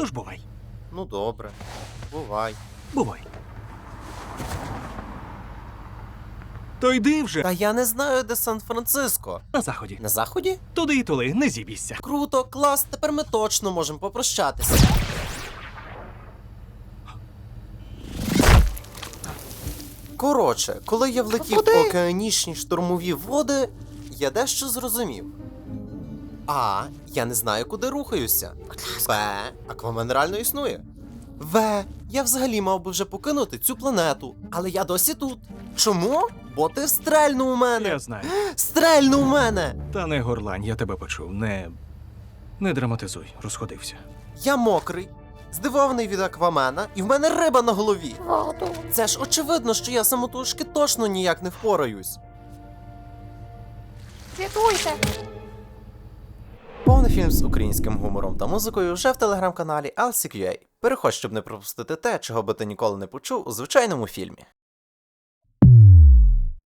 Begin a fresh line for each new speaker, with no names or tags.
Тож бувай.
Ну добре. Бувай.
Бувай. То йди вже
Та я не знаю, де Сан-Франциско.
на заході.
На заході?
Туди і тули, не зібійся.
Круто, клас, тепер ми точно можемо попрощатися. Коротше, коли я влетів в океанічні штурмові води, я дещо зрозумів. А. Я не знаю, куди рухаюся. Б. Аквамен реально існує. В. Я взагалі мав би вже покинути цю планету, але я досі тут. Чому? Бо ти стрельнув у мене!
Я знаю.
Стрельнув у мене!
Та не горлань, я тебе почув. Не драматизуй, розходився.
Я мокрий, здивований від Аквамена, і в мене риба на голові. Це ж очевидно, що я самотужки точно ніяк не впораюсь.
Рятуйте!
Повний фільм з українським гумором та музикою вже в телеграм-каналі LCQA. Переходь, щоб не пропустити те, чого би ти ніколи не почув у звичайному фільмі.